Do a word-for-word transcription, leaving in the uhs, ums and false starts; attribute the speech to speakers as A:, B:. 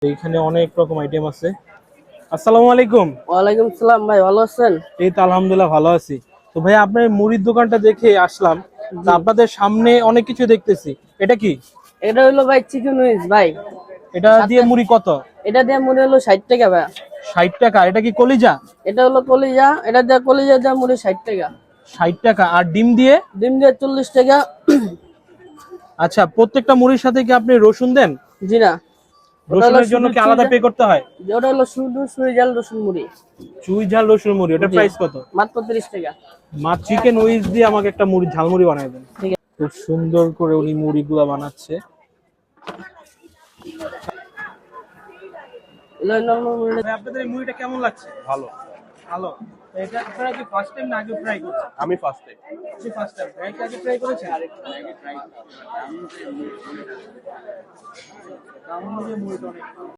A: এইখানে অনেক রকম আইটেম আছে। আসসালামু আলাইকুম।
B: ওয়ালাইকুম সালাম ভাই, ভালো আছেন?
A: এই তো আলহামদুলিল্লাহ ভালো আছি। তো ভাই আপনার মুড়ির দোকানটা দেখে আসলাম। তা
B: জি,
A: আপনাদের সামনে অনেক কিছু দেখতেছি, এটা কি?
B: এটা হলো ভাই চিকেন উইংস ভাই।
A: এটা দিয়ে
B: সাতটা,
A: মুড়ি কত?
B: এটা দিয়ে মুড়ি হলো ষাট টাকা ভাই।
A: ষাট টাকা। এটা কি কলিজা?
B: এটা হলো কলিজা, এটা দিয়ে কলিজা দিয়ে মুড়ি ষাট টাকা।
A: ষাট টাকা। আর ডিম দিয়ে?
B: ডিম দিয়ে চল্লিশ টাকা।
A: আচ্ছা, প্রত্যেকটা মুড়ির সাথে কি আপনি রসুন দেন?
B: জি না, ওটা হলো
A: রসুনের জন্য
B: শুধু
A: কি
B: চুই
A: আলাদা
B: ঝাল,
A: পে করতে হয়?
B: ওটা হলো শুধু চুই ঝাল রসুন মুড়ি।
A: চুই ঝাল রসুন মুড়ি, ওটার
B: জি,
A: প্রাইস কত?
B: মাত্র তিরিশ টাকা।
A: মা চিকেন উইংস দিয়ে আমাকে একটা মুড়ি ঝালমুড়ি বানায় দেন।
B: ঠিক আছে।
A: খুব সুন্দর করে উনি মুড়িগুলা বানাচ্ছে।
B: এগুলো নরমাল মুড়ি।
A: ভাই আপনাদের এই মুভিটা কেমন লাগছে?
C: ভালো।
A: ভালো। তো এটা আপনারা কি ফার্স্ট টাইম না আগে ট্রাই করছেন?
C: আমি ফার্স্ট টাইম।
A: আপনি ফার্স্ট টাইম ট্রাই আগে ট্রাই করেছেন? দাম অনুযায়ী মুভিটা অনেক ভালো।